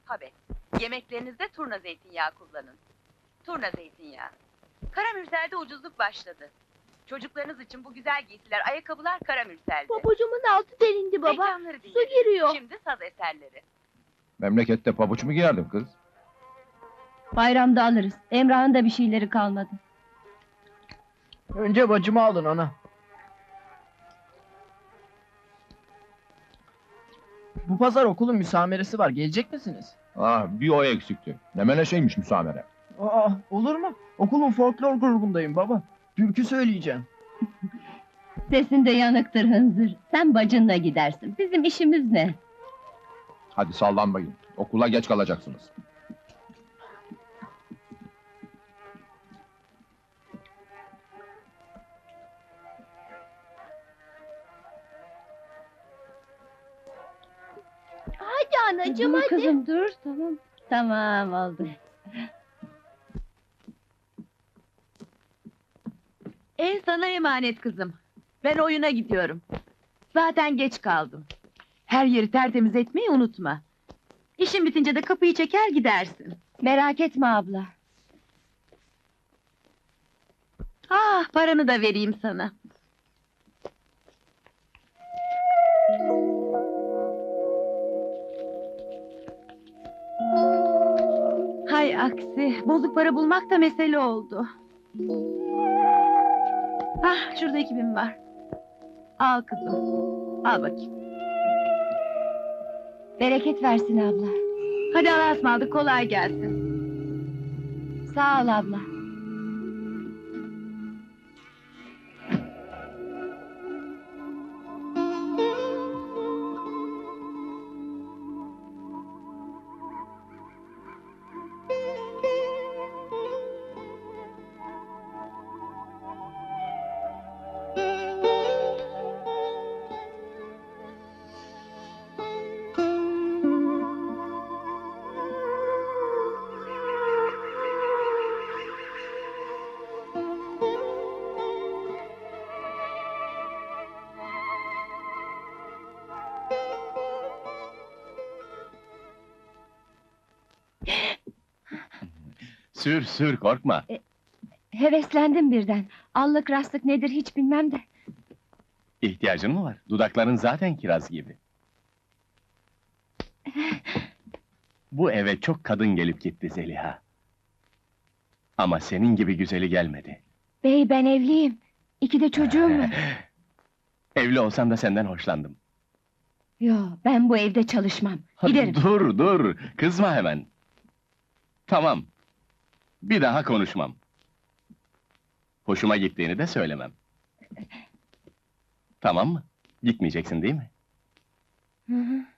Tabii. Yemeklerinizde turna zeytinyağı kullanın. Turna zeytinyağı. Karamürsel'de ucuzluk başladı. Çocuklarınız için bu güzel giysiler, ayakkabılar Karamürsel'de. Pabucumun altı delindi baba. Reklamları Su dinleyin. giriyor. Şimdi saz eserleri. Memlekette pabuç mu giyerdin kız? Bayramda alırız. Emrah'ın da bir şeyleri kalmadı. Önce bacımı alın ana. Bu pazar okulun müsameresi var. Gelecek misiniz? Bir o eksikti. Ne meleşeymiş müsamere. Aa, olur mu? Okulun folklor grubundayım baba. Türkü söyleyeceğim. Sesin de yanıktır hınzır. Sen bacınla gidersin. Bizim işimiz ne? Hadi sallanmayın. Okula geç kalacaksınız. Hadi anacığım Dur hadi. kızım dur, tamam. Tamam oldu. Ev sana emanet kızım. Ben oyuna gidiyorum. Zaten geç kaldım. Her yeri tertemiz etmeyi unutma. İşin bitince de kapıyı çeker gidersin. Merak etme abla. Ah, paranı da vereyim sana. Hay aksi, bozuk para bulmak da mesele oldu. Ah, şurada 2000 var. Al kızım, al bakayım. Bereket versin abla. Hadi Allah'a ısmarladık, kolay gelsin. Sağ ol abla. Sür sür, korkma. Heveslendim birden. Allık rastlık nedir hiç bilmem de. İhtiyacın mı var? Dudakların zaten kiraz gibi. Bu eve çok kadın gelip gitti Zeliha. Ama senin gibi güzeli gelmedi. Bey ben evliyim. 2 de çocuğum var. Evli olsam da senden hoşlandım. Yo ben bu evde çalışmam. Giderim. Dur dur, kızma hemen. Tamam. Bir daha konuşmam. Hoşuma gittiğini de söylemem. Tamam mı? Gitmeyeceksin değil mi? Hı hı.